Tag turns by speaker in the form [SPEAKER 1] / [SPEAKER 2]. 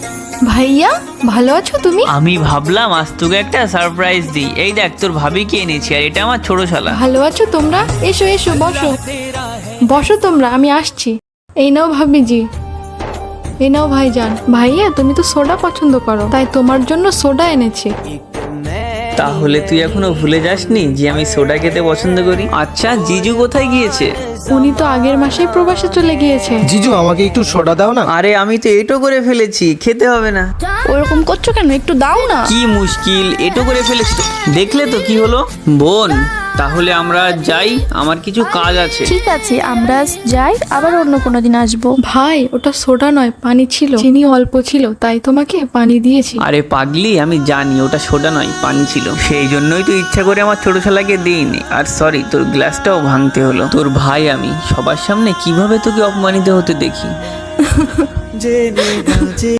[SPEAKER 1] ভাইয়া ভালো আছো তুমি?
[SPEAKER 2] আমি ভাবলাম আজ তোকে একটা সারপ্রাইজ দিই। এই দেখ তোর ভাবিকে এনেছি, আর এটা আমার ছোট শালা।
[SPEAKER 1] ভালো আছো তোমরা? এসো এসো বসো বসো তোমরা, আমি আসছি। এই নাও ভাবিজি, এই নাও ভাইজান। ভাইয়া তুমি তো সোডা পছন্দ করো, তাই তোমার জন্য সোডা এনেছি।
[SPEAKER 2] তাহলে তুই এখনো ভুলে যাসনি যে আমি সোডা খেতে পছন্দ করি? আচ্ছা জিজু কোথায় গিয়েছে?
[SPEAKER 1] উনি তো আগের মাসেই প্রবাসে চলে গিয়েছে।
[SPEAKER 3] জিজু আমাকে একটু সোডা দাও না।
[SPEAKER 2] আরে আমি তো এটো করে ফেলেছি, খেতে হবে না।
[SPEAKER 1] ওরকম করছো কেন? একটু দাও না।
[SPEAKER 2] কি মুশকিল, এটো করে ফেলেছি তো। দেখলে তো কি হলো। বোন তাহলে আমরা যাই, আমার কিছু কাজ আছে।
[SPEAKER 4] ঠিক আছে, আমরা আজ যাই, আবার অন্য কোনো দিন আসবো।
[SPEAKER 1] ভাই ওটা সোডা নয়, পানি ছিল, চিনি অল্প ছিল, তাই তোমাকে পানি দিয়েছি।
[SPEAKER 2] আরে পাগলি, আমি জানি ওটা সোডা নয়, পানি ছিল। সেই জন্যই তো ইচ্ছা করে আমার ছোট শালাকে দিইনি। আর সরি, তোর গ্লাসটাও ভাঙতে হলো। তোর ভাই আমি, সবার সামনে কিভাবে তোকে অপমানিত হতে দেখি।